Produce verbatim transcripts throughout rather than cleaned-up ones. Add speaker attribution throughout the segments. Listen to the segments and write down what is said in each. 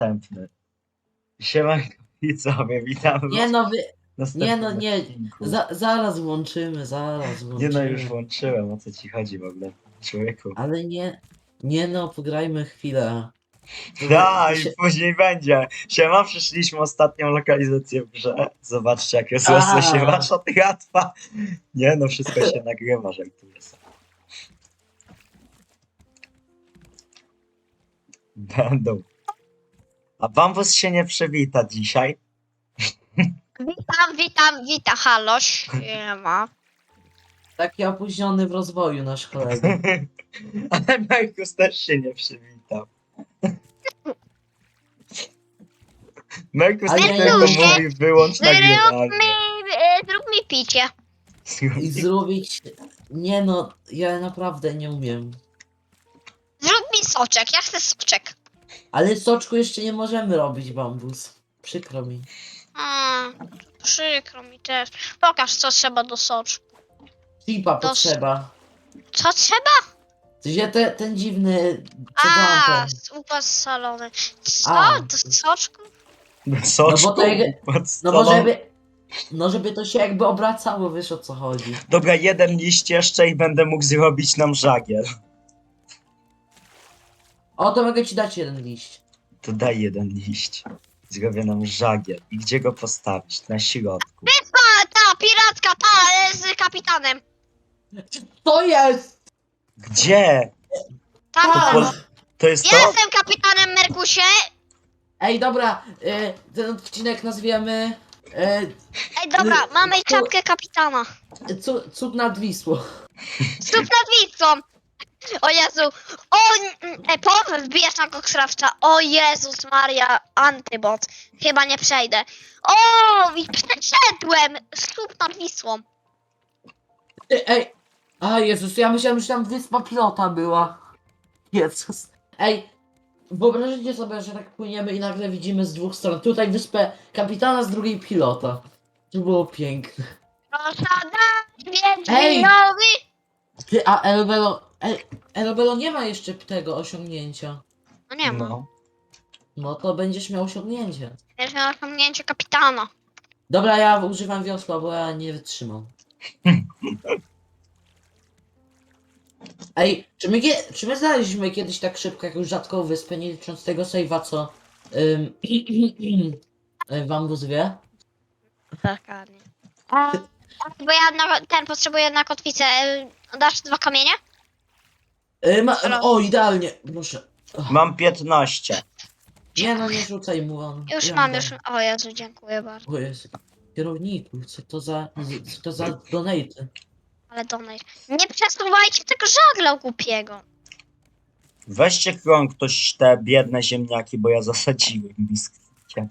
Speaker 1: następny. Siemanko widzowie, witamy
Speaker 2: Nie
Speaker 1: was
Speaker 2: no, wy...
Speaker 1: w następnym
Speaker 2: nie no, nie,
Speaker 1: odcinku.
Speaker 2: za, zaraz włączymy, zaraz
Speaker 1: Nie no, już
Speaker 2: włączymy.
Speaker 1: włączyłem, o co ci chodzi w ogóle, człowieku.
Speaker 2: Ale nie, nie no, pograjmy chwilę. To,
Speaker 1: Da,
Speaker 2: to
Speaker 1: i
Speaker 2: się...
Speaker 1: później będzie. Siema, przyszliśmy ostatnią lokalizację w grze. Zobaczcie, jak jest łatwo się
Speaker 2: A.
Speaker 1: wasza tratwa. Nie no, wszystko się nagrywa, żartuję sobie. Będą. A Bambus się nie przywita dzisiaj.
Speaker 3: Witam, witam, witam, halo, siema.
Speaker 2: Taki opóźniony w rozwoju nasz kolega.
Speaker 1: Ale Markus też się nie przywitał. Markus
Speaker 2: Ale
Speaker 1: tylko
Speaker 2: ja-
Speaker 1: mówi wyłącz
Speaker 3: Zrób
Speaker 1: nagrywanie.
Speaker 3: mi, e, zrób mi picie.
Speaker 2: I zrobić... Nie no, ja naprawdę nie umiem.
Speaker 3: Zrób mi soczek, ja chcę soczek.
Speaker 2: Ale soczku jeszcze nie możemy robić, Bambus. Przykro mi.
Speaker 3: A, przykro mi też. Pokaż, co trzeba do soczku.
Speaker 2: Chipa
Speaker 3: To-
Speaker 2: potrzeba.
Speaker 3: Co trzeba?
Speaker 2: Gdzie te, ten dziwny... Co
Speaker 3: A,
Speaker 2: tam ten?
Speaker 3: upas salony. Co?
Speaker 2: A.
Speaker 3: Do soczku?
Speaker 1: Soczku?
Speaker 2: No bo to jak-
Speaker 1: Pod
Speaker 2: No
Speaker 1: stolą.
Speaker 2: bo żeby... No żeby to się jakby obracało, wiesz o co chodzi.
Speaker 1: Dobra, jeden liść jeszcze i będę mógł zrobić nam żagiel.
Speaker 2: O, to mogę ci dać jeden liść.
Speaker 1: To daj jeden liść. Zrobię nam żagiel. I gdzie go postawić? Na środku.
Speaker 3: A, ta, piratka, ta, e, z kapitanem.
Speaker 2: To jest!
Speaker 1: Gdzie?
Speaker 3: Ta,
Speaker 1: To,
Speaker 3: ta.
Speaker 1: po... to jest
Speaker 3: Ja
Speaker 1: to?
Speaker 3: jestem kapitanem, Merkusie.
Speaker 2: Ej, dobra, e, ten odcinek nazwiemy e,
Speaker 3: Ej, dobra, mamy
Speaker 2: Tu-
Speaker 3: czapkę kapitana.
Speaker 2: cu, Cud nad Wisłą.
Speaker 3: Stóp nad Wisłą! O Jezu! O! E, połowę wbijesz na koksrawcza. O Jezus Maria, antybot. Chyba nie przejdę. O! I przeszedłem! Stóp nad Wisłą.
Speaker 2: Ej, ej, a Jezus, ja myślałem, że tam wyspa pilota była. Jezus. Ej, wyobraźcie sobie, że tak płyniemy i nagle widzimy z dwóch stron. Tutaj wyspę kapitana, z drugiej pilota. To było piękne.
Speaker 3: Rosada
Speaker 2: Ej!
Speaker 3: Wiedźminowy.
Speaker 2: Ty, a Elbelo, El, Elbelo nie ma jeszcze tego osiągnięcia.
Speaker 3: No nie ma.
Speaker 1: No.
Speaker 2: No to będziesz miał osiągnięcie.
Speaker 3: Wiesz, miał osiągnięcie kapitana.
Speaker 2: Dobra, ja używam wiosła, bo ja nie wytrzymam. Ej, czy my, kie- czy my znaleźliśmy kiedyś tak szybko jakąś rzadką wyspę, nie licząc tego save'a, co ym, Bambus wie?
Speaker 3: Dokładnie. Bo ja na, ten potrzebuję na kotwicę. E, Dasz dwa kamienie?
Speaker 2: Yy, ma,
Speaker 3: Halo?
Speaker 2: o, idealnie, proszę.
Speaker 1: Mam piętnaście.
Speaker 2: Nie no, nie rzucaj mu on.
Speaker 3: Już
Speaker 2: Ja
Speaker 3: mam,
Speaker 2: dam.
Speaker 3: już. O Jezu, dziękuję bardzo.
Speaker 2: O jest. Kierowniku, co to za, co to za donate?
Speaker 3: Ale donate. Nie przesuwajcie tego żagla głupiego.
Speaker 1: Weźcie krąg ktoś te biedne ziemniaki, bo ja zasadziłem biskwicie.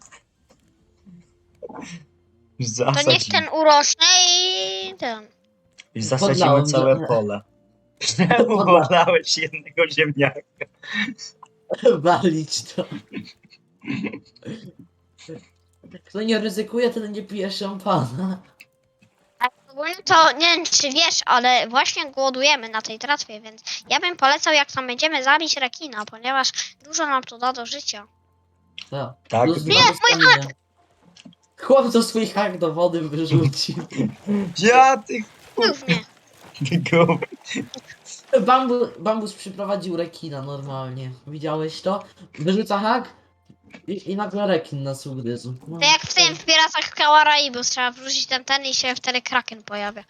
Speaker 3: To
Speaker 1: Zasadziłem.
Speaker 3: niech ten urośnie i ten.
Speaker 1: I zasadzimy
Speaker 2: Podlałem,
Speaker 1: całe
Speaker 2: że-
Speaker 1: pole. Czemu
Speaker 2: Podla-
Speaker 1: podlałeś jednego ziemniaka?
Speaker 2: Walić to. Kto nie ryzykuje, ten nie pije szampana.
Speaker 3: A ogólnie to nie wiem czy wiesz, ale właśnie głodujemy na tej tratwie, więc ja bym polecał jak tam będziemy zabić rekina, ponieważ dużo nam to da do życia.
Speaker 2: Co?
Speaker 1: Tak,
Speaker 2: Plus
Speaker 1: nie,
Speaker 2: dwa do stamina. Chłop to swój hak do wody wyrzucił.
Speaker 1: Ja ty
Speaker 3: Głównie.
Speaker 1: gruby.
Speaker 2: Bambu, bambus przyprowadził rekina normalnie. Widziałeś to? Wyrzuca hak i, i nagle rekin nas ugryzł. No,
Speaker 3: To jak w tym w Piratach Karaibu trzeba wrzucić ten ten i się wtedy kraken pojawia.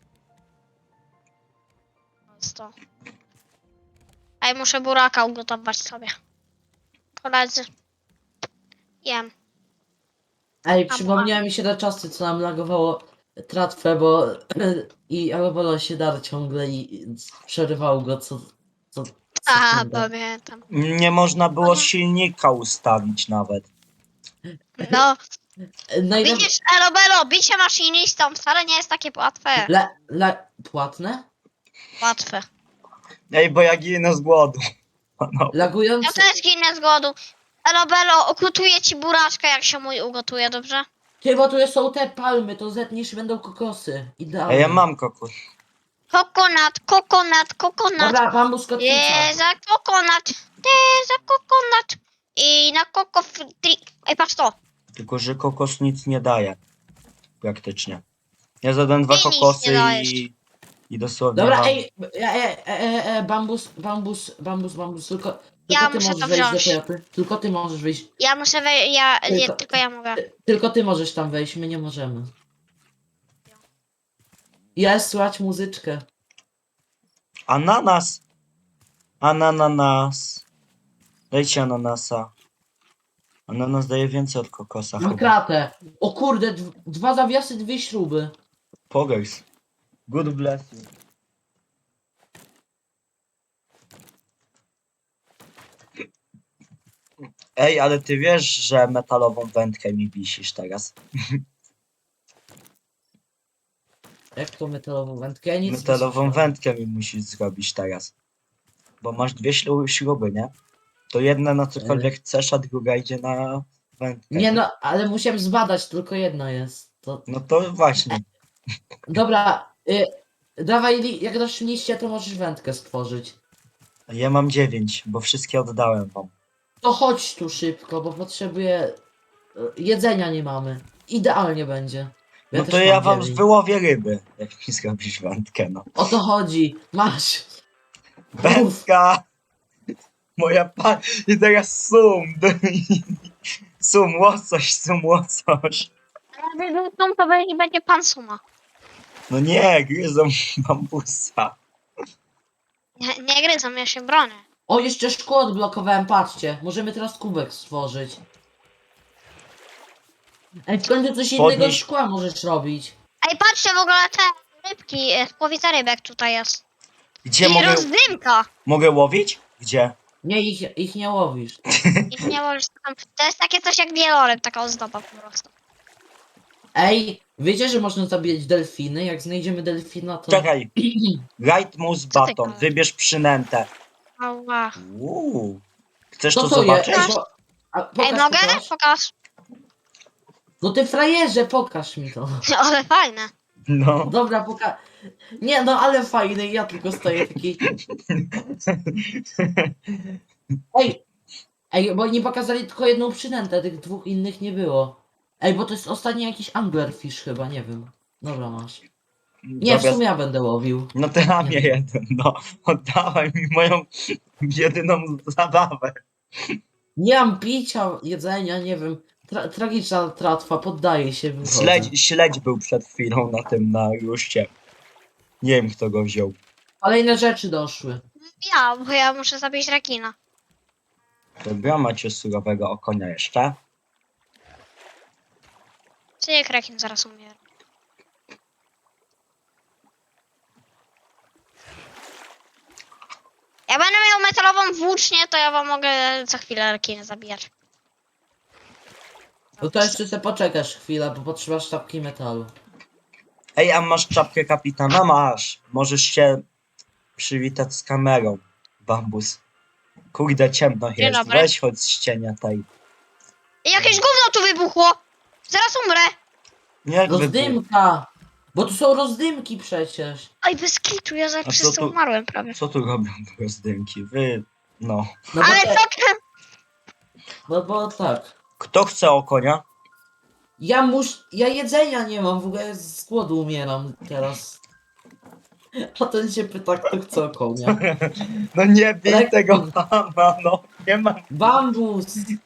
Speaker 3: To jest to. Ej, muszę buraka ugotować sobie. Koledzy. Jem.
Speaker 2: Ej, przypomniały mi się te czasy, co nam lagowało tratwę, bo i Elbolo się darł ciągle i i przerywał go co... co
Speaker 3: A,
Speaker 2: sekundę.
Speaker 3: pamiętam.
Speaker 1: Nie można było silnika ustawić nawet.
Speaker 3: No,
Speaker 2: Najlep-
Speaker 3: widzisz, Elobelo, bicie maszynistą wcale nie jest takie łatwe.
Speaker 2: Le, le, płatne?
Speaker 3: Łatwe.
Speaker 1: Ej, bo ja ginę z głodu. No.
Speaker 3: Ja
Speaker 2: Lagujące...
Speaker 3: też ginę z głodu. Elobelo, ugotuję ci buraczkę, jak się mój ugotuje, dobrze?
Speaker 2: Ty, bo tu są te palmy, to zetniesz i będą kokosy. Idealnie.
Speaker 1: Ej, ja mam kokos.
Speaker 3: Kokonat, kokonat, kokonat.
Speaker 2: Dobra, bambus kotwica.
Speaker 3: Je za kokonat, te za kokonat. I na Coco Free... Ej, patrz to.
Speaker 1: Tylko, że kokos nic nie daje. Praktycznie. Ja zadałem dwa
Speaker 3: Ty nic
Speaker 1: kokosy
Speaker 3: nie dajesz.
Speaker 1: i... I dosłownie
Speaker 2: Dobra,
Speaker 1: mam...
Speaker 2: ej, e, e, e, e, bambus, bambus, bambus, bambus, tylko, tylko
Speaker 3: Ja
Speaker 2: ty
Speaker 3: muszę
Speaker 2: możesz
Speaker 3: to
Speaker 2: wejść do
Speaker 3: wziąć.
Speaker 2: Toyoty. Tylko ty możesz wyjść.
Speaker 3: Ja muszę wejść, ja, nie,
Speaker 2: Tylko-
Speaker 3: tylko ja mogę.
Speaker 2: Ty, tylko ty możesz tam wejść, my nie możemy. Jest, słychać muzyczkę.
Speaker 1: Ananas! Ananas. Dajcie ananasa. Ananas daje więcej od kokosa
Speaker 2: Mam
Speaker 1: chyba.
Speaker 2: kratę. O kurde, dw- dwa zawiasy, dwie śruby.
Speaker 1: Pogers. Good bless you. Ej, ale ty wiesz, że metalową wędkę mi wisisz teraz.
Speaker 2: Jak to metalową wędkę? Ja nic nie
Speaker 1: Metalową
Speaker 2: słyszałem.
Speaker 1: wędkę mi musisz zrobić teraz. Bo masz dwie ślu- śruby, nie? To jedna na cokolwiek chcesz, a druga idzie na wędkę.
Speaker 2: Nie no, ale musiałem zbadać, tylko jedna jest. To...
Speaker 1: No to właśnie.
Speaker 2: Dobra, y, dawaj, li- jak dasz liście, to możesz wędkę stworzyć.
Speaker 1: Ja mam dziewięć, bo wszystkie oddałem wam.
Speaker 2: To chodź tu szybko, bo potrzebuję... y, Jedzenia nie mamy. Idealnie będzie.
Speaker 1: No to
Speaker 2: też
Speaker 1: ja
Speaker 2: mam
Speaker 1: wam
Speaker 2: dziewięć.
Speaker 1: wyłowię ryby, jak mi zrobisz wędkę, no.
Speaker 2: O to chodzi. Masz.
Speaker 1: Wędka! Moja pa... I teraz sum! Sum, łosoś, sum, łosoś.
Speaker 3: Ale wybuchną, to będzie- będzie pan Suma.
Speaker 1: No nie, gryzą bambusa.
Speaker 3: Nie, nie gryzą, ja się bronię.
Speaker 2: O, jeszcze szkło odblokowałem, patrzcie. Możemy teraz kubek stworzyć. Ej, w końcu coś innego
Speaker 1: Podnieś-
Speaker 2: szkła możesz robić.
Speaker 3: Ej, patrzcie w ogóle te rybki, e, połowica rybek tutaj jest.
Speaker 1: Gdzie
Speaker 3: I
Speaker 1: mogę,
Speaker 3: rozdymka.
Speaker 1: mogę łowić? Gdzie?
Speaker 2: Nie, ich, ich nie łowisz.
Speaker 3: I nie możesz tam... To jest takie coś jak wieloryb, taka ozdoba po prostu.
Speaker 2: Ej, wiecie, że można zabijać delfiny? Jak znajdziemy delfina, to...
Speaker 1: Czekaj. Light Moose
Speaker 3: Co ty
Speaker 1: Baton.
Speaker 3: gadasz?
Speaker 1: Wybierz przynętę.
Speaker 3: Ała.
Speaker 1: Uuu. Chcesz
Speaker 2: Co
Speaker 1: to
Speaker 2: to jest?
Speaker 1: zobaczyć?
Speaker 2: Ej, bo... A, pokaż,
Speaker 3: Ej, mogę?
Speaker 2: pokaż.
Speaker 3: Pokaż.
Speaker 2: No ty frajerze, pokaż mi to.
Speaker 3: Ale fajne.
Speaker 1: No.
Speaker 2: Dobra, poka... Nie, no ale fajny, ja tylko stoję taki... Ej! Ej, bo nie pokazali tylko jedną przynętę, tych dwóch innych nie było. Ej, bo to jest ostatni jakiś anglerfish chyba, nie wiem. Dobra, masz. Nie, w
Speaker 1: Dobra,
Speaker 2: sumie ja będę łowił.
Speaker 1: no to ja mnie jeden, no. Oddawaj mi moją jedyną zabawę.
Speaker 2: Nie mam picia, jedzenia, nie wiem. Tra tragiczna tratwa, poddaję się, wychodzę.
Speaker 1: Śledź, śledź był przed chwilą na tym, na ruszcie. Nie wiem, kto go wziął.
Speaker 2: Kolejne rzeczy doszły.
Speaker 3: Ja, bo ja muszę zabić rekina.
Speaker 1: Dobra, macie surowego okonia jeszcze.
Speaker 3: Czy jak rekin zaraz umiera? Jak będę miał metalową włócznię, to ja wam mogę za chwilę rekiny zabijać.
Speaker 2: No to jeszcze sobie poczekasz chwilę, bo potrzebasz sztabki metalu.
Speaker 1: Ej, a masz czapkę kapitana? Masz. Możesz się przywitać z kamerą. Bambus. Kurde, ciemno
Speaker 3: Dzień
Speaker 1: jest.
Speaker 3: dobry.
Speaker 1: Weź chodź z cienia tej.
Speaker 3: I jakieś gówno tu wybuchło! Zaraz umrę!
Speaker 1: Jak wy...
Speaker 2: Rozdymka! Bo tu są rozdymki przecież.
Speaker 3: Oj, bez kitu, ja za
Speaker 1: A
Speaker 3: przez
Speaker 1: co
Speaker 3: to
Speaker 1: tu-
Speaker 3: umarłem prawie.
Speaker 1: Co tu robią te rozdymki? Wy... No.
Speaker 2: No bo,
Speaker 3: Ale
Speaker 2: te,
Speaker 3: co ty?
Speaker 2: no bo tak.
Speaker 1: Kto chce okonia?
Speaker 2: Ja mus... Ja jedzenia nie mam, w ogóle z głodu umieram teraz. A ten się pyta, kto chce konia.
Speaker 1: No nie bij
Speaker 2: Lekko.
Speaker 1: tego mama, no. Nie mam...
Speaker 2: Bambus!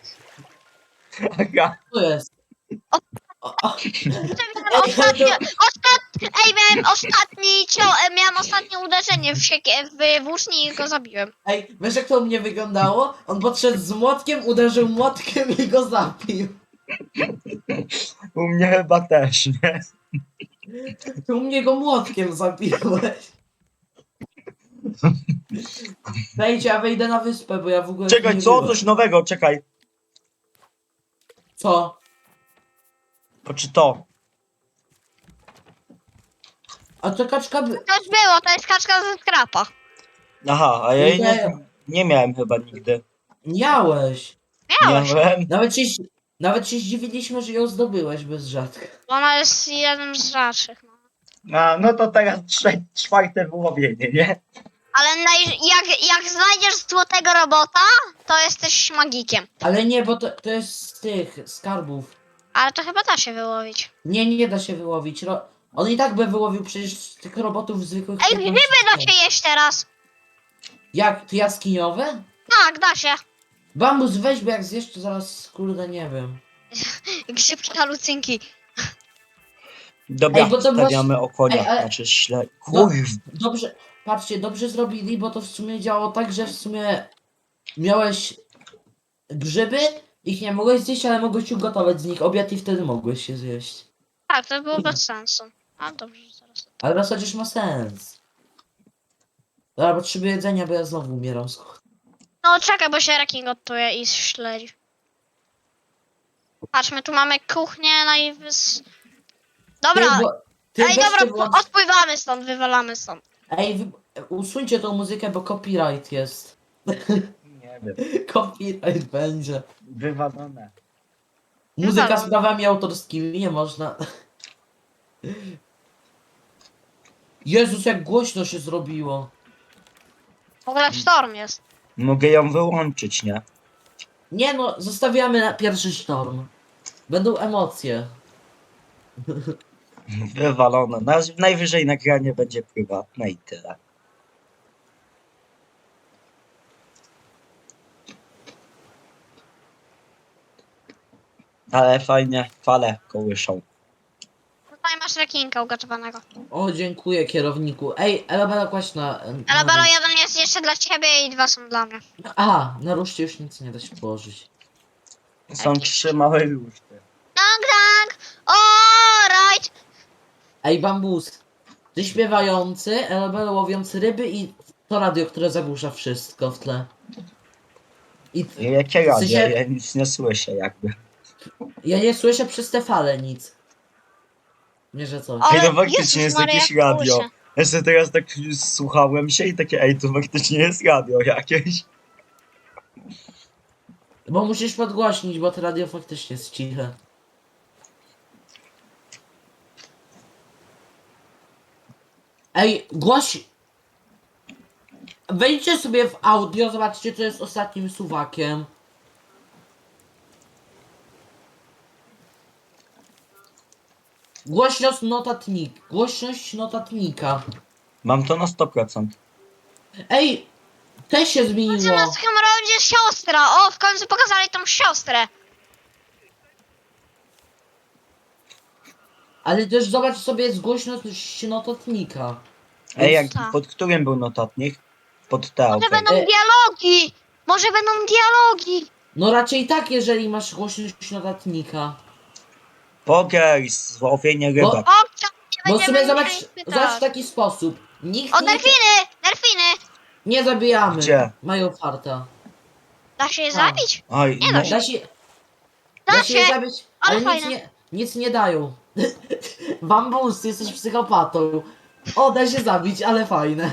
Speaker 1: Aga.
Speaker 2: Co jest?
Speaker 3: O-
Speaker 2: O, o.
Speaker 3: Ostatnio, ostatni, ej, miałem ostatni, cio, e, miałem ostatnie uderzenie w, siekie, w włóczni i go zabiłem.
Speaker 2: Ej, wiesz jak to u mnie wyglądało? On podszedł z młotkiem, uderzył młotkiem i go zabił.
Speaker 1: U mnie chyba też, nie?
Speaker 2: Ty u mnie go młotkiem zabiłeś. Wejdź, ja wejdę na wyspę, bo ja w ogóle...
Speaker 1: Czekaj,
Speaker 2: nie
Speaker 1: co?
Speaker 2: byłem.
Speaker 1: Coś nowego, czekaj.
Speaker 2: Co?
Speaker 1: To czy to?
Speaker 2: A to kaczka by...
Speaker 3: To już było, to jest kaczka ze skrapa.
Speaker 1: Aha, a ja jej nie,
Speaker 2: Nie.
Speaker 1: nie miałem chyba nigdy.
Speaker 2: Miałeś.
Speaker 3: Miałeś,
Speaker 1: Miałem.
Speaker 2: Nawet się, nawet się zdziwiliśmy, że ją zdobyłeś bez rzadka.
Speaker 3: bo ona jest jeden z rzadszych. No.
Speaker 1: A, no to teraz trze- czwarte wyłowienie, nie?
Speaker 3: Ale naj... jak, jak znajdziesz złotego robota, to jesteś magikiem.
Speaker 2: Ale nie, bo to, to jest z tych skarbów.
Speaker 3: Ale to chyba da się wyłowić.
Speaker 2: Nie, nie da się wyłowić. Ro... On i tak by wyłowił przecież z tych robotów zwykłych.
Speaker 3: Ej,
Speaker 2: piętnaście
Speaker 3: grzyby da
Speaker 2: sekund.
Speaker 3: się jeść teraz.
Speaker 2: Jak? To jaskiniowe?
Speaker 3: Tak, da się.
Speaker 2: Bambus weź, bo jak zjesz, to zaraz, kurde, nie wiem.
Speaker 3: Grzybki halucynki.
Speaker 1: Dobra,
Speaker 2: Ej, bo to
Speaker 1: stawiamy
Speaker 2: właśnie-
Speaker 1: o konia,
Speaker 2: Ej, ale-
Speaker 1: znaczy śle...
Speaker 2: No.
Speaker 1: Kurw,
Speaker 2: Dobrze, patrzcie, dobrze zrobili, bo to w sumie działało tak, że w sumie miałeś grzyby, ich nie mogłeś zjeść, ale mogłeś ugotować z nich obiad i wtedy mogłeś się zjeść.
Speaker 3: Tak, to było bez sensu. A dobrze, zaraz.
Speaker 2: Ale raz chociaż ma sens. Dobra, potrzebuję jedzenia, bo ja znowu umieram z głodu.
Speaker 3: No czekaj, bo się rekin gotuje i śledzi. Patrz, my tu mamy kuchnię najwys... Dobra,
Speaker 2: Ty, bo, ty
Speaker 3: ej
Speaker 2: weź
Speaker 3: dobra,
Speaker 2: ty włącz...
Speaker 3: odpływamy stąd, wywalamy stąd.
Speaker 2: Ej, wy... usuńcie tą muzykę, bo copyright jest.
Speaker 1: nie wiem,
Speaker 2: Copyright będzie.
Speaker 1: wywalone.
Speaker 2: Muzyka z
Speaker 3: Wywalone.
Speaker 2: prawami autorskimi, nie można. Jezus, jak głośno się zrobiło.
Speaker 3: W ogóle sztorm jest.
Speaker 1: Mogę ją wyłączyć, nie?
Speaker 2: Nie no, zostawiamy na pierwszy sztorm. Będą emocje.
Speaker 1: Wywalone. Naz- Najwyżej nagranie będzie prywatne i tyle. Ale fajnie fale kołyszą.
Speaker 3: Tutaj masz rekinka ugotowanego.
Speaker 2: O, dziękuję kierowniku. Ej, Elabela kłaść na...
Speaker 3: Ale
Speaker 2: na
Speaker 3: Belo,
Speaker 2: rusz-
Speaker 3: jeden jest jeszcze dla ciebie i dwa są dla mnie.
Speaker 2: A, na ruszcie już nic nie da się położyć.
Speaker 1: Są trzy małe ruszty.
Speaker 3: Tak, tak! Alright!
Speaker 2: Ej, bambus. Ty śpiewający, Elabela łowiący ryby i to radio, które zagłusza wszystko w tle. I
Speaker 1: Jakie
Speaker 2: W
Speaker 1: radio?
Speaker 2: sensie-
Speaker 1: Ja nic nie słyszę jakby.
Speaker 2: ja nie słyszę przez te fale nic. Nie, że coś.
Speaker 3: O,
Speaker 1: Ej,
Speaker 3: Ale
Speaker 1: no faktycznie
Speaker 3: Jezus
Speaker 1: jest
Speaker 3: Maria,
Speaker 1: jakieś
Speaker 3: jak
Speaker 1: radio.
Speaker 3: kołysze.
Speaker 1: Ja sobie teraz tak słuchałem się i takie, ej, to faktycznie jest radio jakieś.
Speaker 2: Bo musisz podgłośnić, bo to radio faktycznie jest ciche. Ej, głoś... Wejdźcie sobie w audio, zobaczcie co jest ostatnim suwakiem. Głośność notatnik. Głośność notatnika.
Speaker 1: Mam to na sto procent.
Speaker 2: Ej, te się zmieniło.
Speaker 3: Zamiast Hemoroidzie siostra! O, w końcu pokazali tą siostrę!
Speaker 2: Ale też zobacz sobie jest głośność notatnika.
Speaker 1: Ej, jak,
Speaker 3: Tak.
Speaker 1: pod którym był notatnik? Pod te
Speaker 3: Może
Speaker 1: okej.
Speaker 3: będą
Speaker 2: E-
Speaker 3: dialogi! Może będą dialogi!
Speaker 2: No raczej tak, jeżeli masz głośność notatnika.
Speaker 1: Pogers, złowienie
Speaker 2: Bo-
Speaker 1: rybak.
Speaker 3: O, co? Nie
Speaker 2: Bo
Speaker 3: będziemy
Speaker 2: sobie zobacz,
Speaker 3: musieli pytać.
Speaker 2: zobacz w taki sposób. Nikt
Speaker 3: O,
Speaker 2: nie,
Speaker 3: delfiny! Delfiny!
Speaker 2: nie zabijamy.
Speaker 1: Gdzie?
Speaker 2: Mają farta.
Speaker 3: Da się je
Speaker 2: A.
Speaker 3: zabić?
Speaker 1: Oj,
Speaker 3: Nie
Speaker 1: no,
Speaker 3: da
Speaker 2: Da się,
Speaker 3: Da
Speaker 2: da się je
Speaker 3: się,
Speaker 2: zabić,
Speaker 3: ale
Speaker 2: ale nic
Speaker 3: fajne.
Speaker 2: nie, nic nie dają. Bambus, ty jesteś psychopatą. O, da się zabić, ale fajne.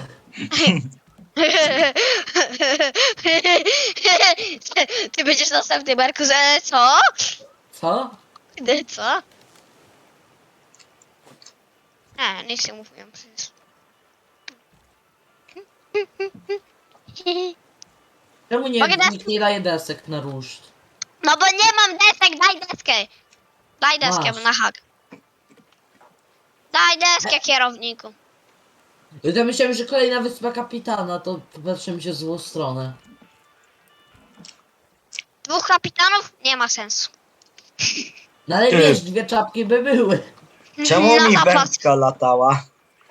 Speaker 3: ty, ty będziesz następny, Marku, że co?
Speaker 2: Co?
Speaker 3: Ty co? A, nic nie mówiłem przecież.
Speaker 2: Czemu nie,
Speaker 3: Mogę dać-
Speaker 2: nikt nie daje desek na ruszt?
Speaker 3: No bo nie mam desek, daj deskę! Daj deskę
Speaker 2: Masz.
Speaker 3: na hak. Daj deskę, kierowniku.
Speaker 2: Ja myślałem, że kolejna wyspa kapitana, to patrzę mi się w złą stronę.
Speaker 3: Dwóch kapitanów? Nie ma sensu.
Speaker 2: No ale
Speaker 1: Ty.
Speaker 2: wiesz, dwie czapki by były.
Speaker 1: czemu
Speaker 3: Na
Speaker 1: mi
Speaker 3: zapas.
Speaker 1: wędka latała?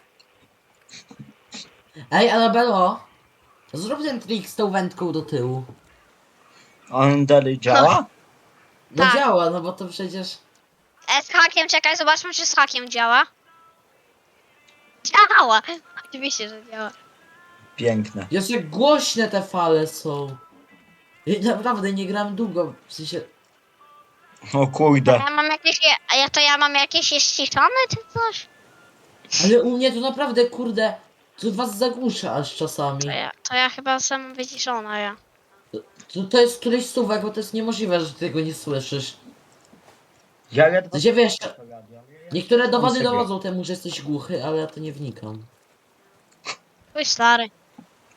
Speaker 2: Ej, Anabelo, zrób ten trik z tą wędką do tyłu.
Speaker 1: On dalej działa?
Speaker 2: No
Speaker 3: Tak.
Speaker 2: działa, no bo to przecież...
Speaker 3: E, z hakiem, czekaj, zobaczmy, czy z hakiem działa. Działa! Oczywiście, że działa.
Speaker 1: Piękne.
Speaker 2: Jest jak głośne te fale są. I naprawdę nie gram długo, w sensie...
Speaker 1: O kurde.
Speaker 3: Ja mam jakieś, a ja to ja mam jakieś jest ściszone, czy coś?
Speaker 2: Ale u mnie to naprawdę, kurde, to was zagłusza aż czasami.
Speaker 3: To ja, to ja chyba sam wyciszona, ja.
Speaker 2: To, to jest któryś suwak, bo to jest niemożliwe, że ty tego nie słyszysz.
Speaker 1: Ja ledwo...
Speaker 2: To się wiesz, niektóre dowody
Speaker 1: sobie.
Speaker 2: dowodzą temu, że jesteś głuchy, ale ja to nie wnikam.
Speaker 3: Twój stary.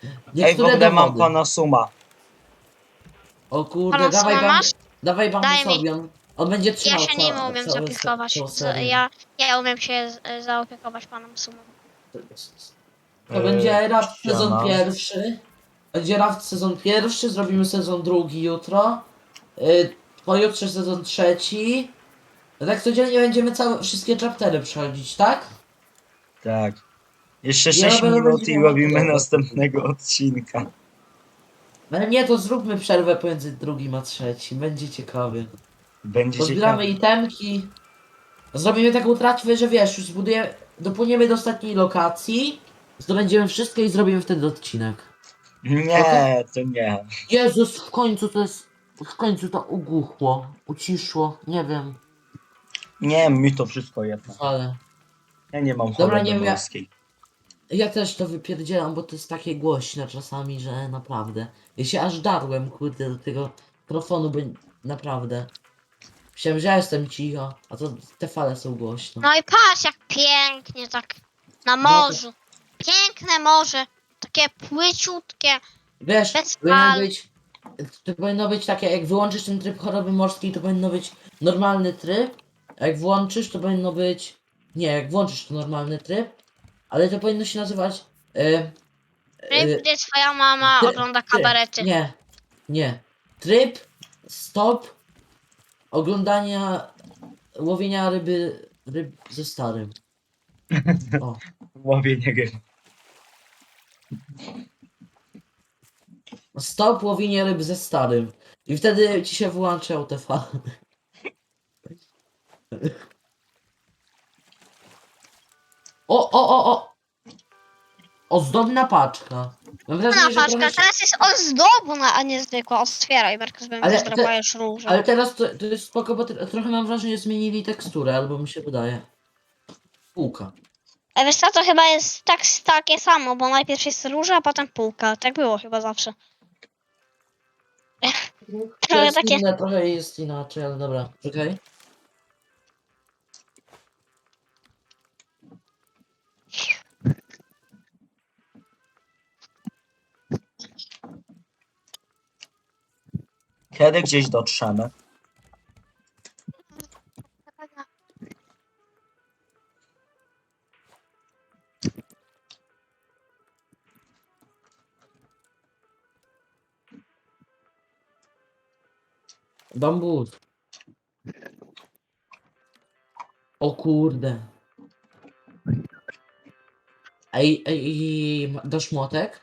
Speaker 1: Ej, w
Speaker 2: Niektóre
Speaker 1: ogóle mam
Speaker 2: dowody.
Speaker 1: pana Suma.
Speaker 2: O kurde,
Speaker 3: Pana
Speaker 2: dawaj
Speaker 3: Suma
Speaker 2: bam,
Speaker 3: masz?
Speaker 2: dawaj
Speaker 3: Daj
Speaker 2: bambusowi, on, on będzie
Speaker 3: Ja
Speaker 2: trzymał
Speaker 3: się nim
Speaker 2: ca,
Speaker 3: umiem
Speaker 2: całe,
Speaker 3: zaopiekować.
Speaker 2: całą
Speaker 3: Z,
Speaker 2: serię.
Speaker 3: ja, ja umiem się z, zaopiekować panem Sumą.
Speaker 2: To
Speaker 1: Yy,
Speaker 2: będzie Raft sezon
Speaker 1: ściana.
Speaker 2: pierwszy. Będzie Raft sezon pierwszy, zrobimy sezon drugi jutro. Yy, pojutrze sezon trzeci. Tak codziennie będziemy całe, wszystkie chaptery przechodzić, tak?
Speaker 1: Tak. Jeszcze
Speaker 2: Ja
Speaker 1: sześć
Speaker 2: robię-
Speaker 1: minut i
Speaker 2: robię-
Speaker 1: robimy
Speaker 2: dobra.
Speaker 1: następnego odcinka.
Speaker 2: Ale nie, to zróbmy przerwę pomiędzy drugim a trzecim, będzie ciekawie.
Speaker 1: Będzie
Speaker 2: Pozbieramy
Speaker 1: ciekawe.
Speaker 2: itemki. Zrobimy taką tratwę, że wiesz, już zbudujemy, dopłyniemy do ostatniej lokacji, zdobędziemy wszystko i zrobimy wtedy odcinek.
Speaker 1: Nie, to nie.
Speaker 2: Jezus, w końcu to jest, w końcu to ugłuchło, uciszło, nie wiem,
Speaker 1: Nie, mi to wszystko jedno.
Speaker 2: ale...
Speaker 1: Ja nie mam
Speaker 2: Dobra,
Speaker 1: choroby
Speaker 2: nie wiem, ja-
Speaker 1: morskiej.
Speaker 2: Ja też to wypierdzielam, bo to jest takie głośne czasami, że naprawdę. Ja się aż darłem, kurde, do tego mikrofonu, by naprawdę. Myślałem, że ja jestem cicho, a to te fale są głośne.
Speaker 3: No i patrz jak pięknie tak na
Speaker 2: No to-
Speaker 3: morzu. Piękne morze. Takie płyciutkie.
Speaker 2: Wiesz,
Speaker 3: Bez
Speaker 2: powinno
Speaker 3: fal.
Speaker 2: być, to powinno być takie, jak wyłączysz ten tryb choroby morskiej, to powinno być normalny tryb, a jak włączysz, to powinno być, nie, jak włączysz to normalny tryb, ale to powinno się nazywać, y,
Speaker 3: Ryb, gdzie twoja mama
Speaker 2: Ty-
Speaker 3: ogląda
Speaker 2: Tryb.
Speaker 3: kabarety.
Speaker 2: Nie, nie. Tryb, stop, oglądania, łowienia ryby, ryb ze starym. O,
Speaker 1: Łowienie ryb.
Speaker 2: stop, łowienie ryb ze starym. I wtedy ci się wyłączał te fale. O, o, o, o! Ozdobna paczka. Mam
Speaker 3: Na
Speaker 2: wrażenie, że
Speaker 3: paczka,
Speaker 2: trochę się...
Speaker 3: teraz jest ozdobna, a nie zwykła. Otwieraj, Markus, bo mi
Speaker 2: Ale
Speaker 3: też
Speaker 2: te-
Speaker 3: drapajesz różą.
Speaker 2: Ale teraz to, to jest spoko, bo tro- trochę mam wrażenie, że zmienili teksturę, albo mi się wydaje. Półka.
Speaker 3: A wiesz co, to chyba jest tak, takie samo, bo najpierw jest róża, a potem półka. Tak było chyba zawsze.
Speaker 2: To
Speaker 3: Trochę
Speaker 2: jest
Speaker 3: takie...
Speaker 2: inne, trochę jest inaczej, ale dobra, czekaj.
Speaker 1: Kiedy gdzieś dotrzemy?
Speaker 2: Bambus. O kurde. Ej, ej, ej, ma- dasz młotek?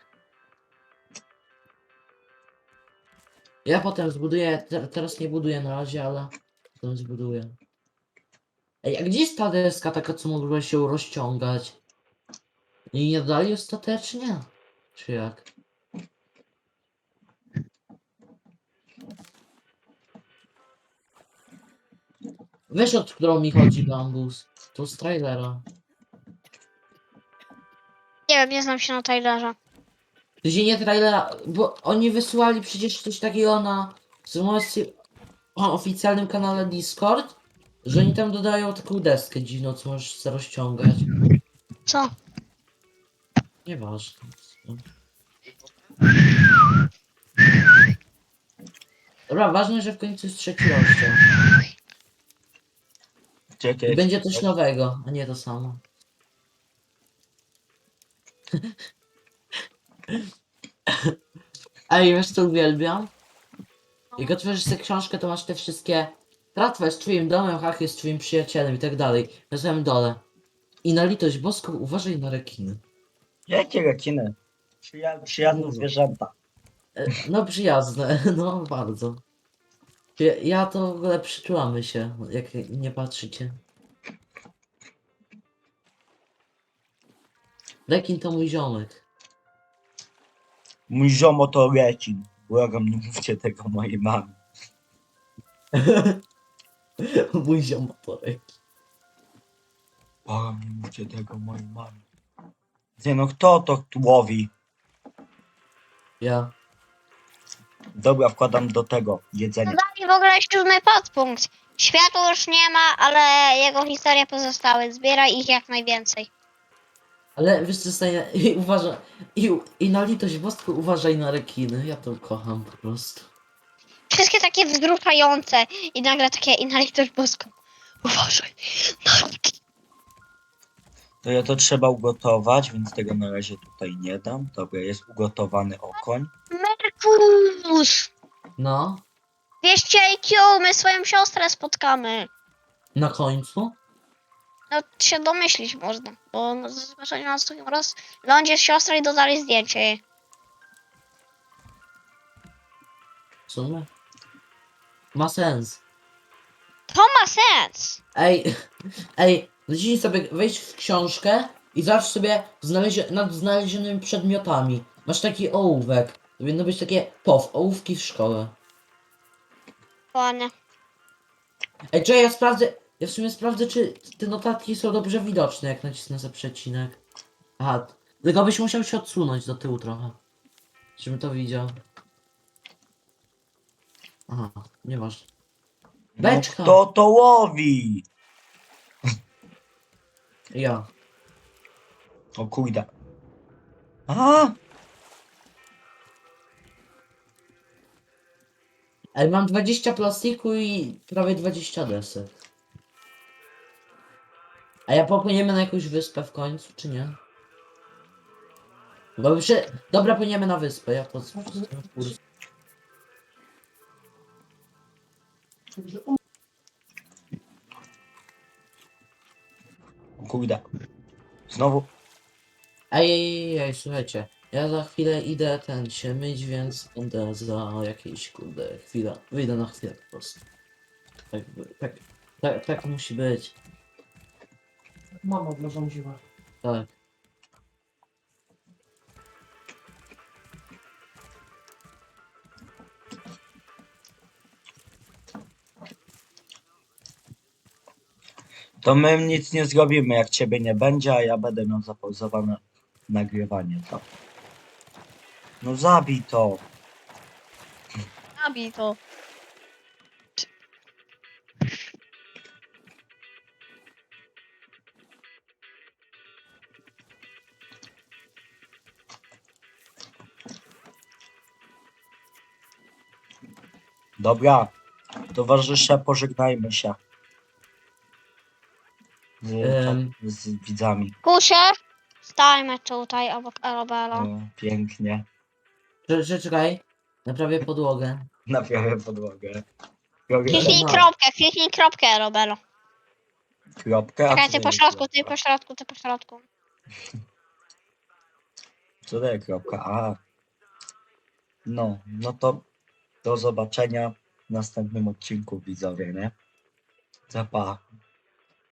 Speaker 2: Ja potem zbuduję, te, teraz nie buduję na razie, ale potem zbuduję. Ej, a gdzie jest ta deska taka, co mogła się rozciągać? I nie dali ostatecznie? Czy jak? Wiesz, od którą mi chodzi bambus? To z trailera.
Speaker 3: Nie wiem, nie znam się na Tylerze.
Speaker 2: To się nie trailera, bo oni wysyłali przecież coś takiego na informacji o oficjalnym kanale Discord, że oni tam dodają taką deskę dziwną, co możesz sobie rozciągać.
Speaker 3: Co?
Speaker 2: Nieważne. Dobra, ważne, że w końcu jest trzeci rozdział. I
Speaker 1: Czekaj.
Speaker 2: będzie coś nowego, a nie to samo. Ej, wiesz co uwielbiam? Jak otworzysz sobie książkę, to masz te wszystkie... Tratwa jest twoim domem, Hach jest twoim przyjacielem i tak dalej. Na samym dole. I na litość boską uważaj na rekiny.
Speaker 1: Jakie rekiny? Przyja przyjazne zwierzęta.
Speaker 2: E, No przyjazne, no bardzo. Ja, ja to w ogóle przyczułamy się, jak nie patrzycie. Rekin to mój ziomek.
Speaker 1: Mój ziomo to rekin. Błagam, nie mówcie tego mojej mamie.
Speaker 2: Mój ziomek to rekin.
Speaker 1: Błagam, nie mówcie tego mojej mamie. Nie no, kto to łowi?
Speaker 2: Ja.
Speaker 1: Dobra, wkładam do tego jedzenie.
Speaker 3: Dodali w ogóle siódmy podpunkt. Światła już nie ma, ale jego historie pozostały. Zbieraj ich jak najwięcej.
Speaker 2: Ale wiesz co, Stanie, i uważaj, i, i na litość boską uważaj na rekiny, ja to kocham po prostu.
Speaker 3: Wszystkie takie wzruszające i nagle takie i na litość boską. Uważaj.
Speaker 1: To ja to trzeba ugotować, więc tego na razie tutaj nie dam. Dobra, jest ugotowany okoń.
Speaker 3: Merkus!
Speaker 2: No,
Speaker 3: dwieście I Q, my swoją siostrę spotkamy.
Speaker 2: na końcu.
Speaker 3: No się domyślić można, bo no, zobaczenie na drugim raz lądzie siostra i dodali zdjęcie jej.
Speaker 2: W sumie. Ma sens.
Speaker 3: To ma sens!
Speaker 2: Ej, ej, zacznij sobie wejść w książkę i zacznij sobie znalezie nad znalezionymi przedmiotami. Masz taki ołówek. Powinno być takie pow, ołówki w szkole.
Speaker 3: Ładnie.
Speaker 2: Ej, czy ja sprawdzę, ja w sumie sprawdzę, czy te notatki są dobrze widoczne, jak nacisnę za przecinek. Aha, tylko byś musiał się odsunąć do tyłu trochę. Żebym to widział. Aha, nieważne.
Speaker 1: No,
Speaker 2: Beczka!
Speaker 1: kto to łowi?
Speaker 2: Ja.
Speaker 1: O kurde. A!
Speaker 2: Ej, mam dwadzieścia plastiku i prawie dwadzieścia desek. A ja popłyniemy na jakąś wyspę w końcu, czy nie? Bo przy... Dobra, płyniemy na wyspę, ja to... kurs.
Speaker 1: O kurde. Znowu.
Speaker 2: Ej, ej, ej, słuchajcie. Ja za chwilę idę ten się myć, więc będę za jakieś kurde chwilę. Wyjdę na chwilę po prostu. Tak, tak, tak, tak musi być.
Speaker 4: Mama zarządziła.
Speaker 2: Tak.
Speaker 1: To my nic nie zrobimy, jak ciebie nie będzie, a ja będę miał zapauzowane nagrywanie. To. No zabij to.
Speaker 3: Zabij to.
Speaker 1: Dobra. Towarzysze, pożegnajmy się. Z,
Speaker 2: Em.
Speaker 1: z widzami.
Speaker 3: Kusie, stajmy tutaj obok Arabella.
Speaker 1: O, pięknie.
Speaker 2: Cze- cze- Czekaj. Naprawię podłogę.
Speaker 1: Naprawię podłogę. Robię
Speaker 3: Kliknij
Speaker 2: no.
Speaker 3: kropkę, kliknij kropkę Arabella.
Speaker 1: kropkę. a
Speaker 3: Czekaj,
Speaker 1: co
Speaker 3: ty po
Speaker 1: daje
Speaker 3: środku, ty
Speaker 1: kropka?
Speaker 3: po środku, ty po środku.
Speaker 1: Co daje kropka? A. No, no to do zobaczenia w następnym odcinku, widzowie, nie? Pa, pa.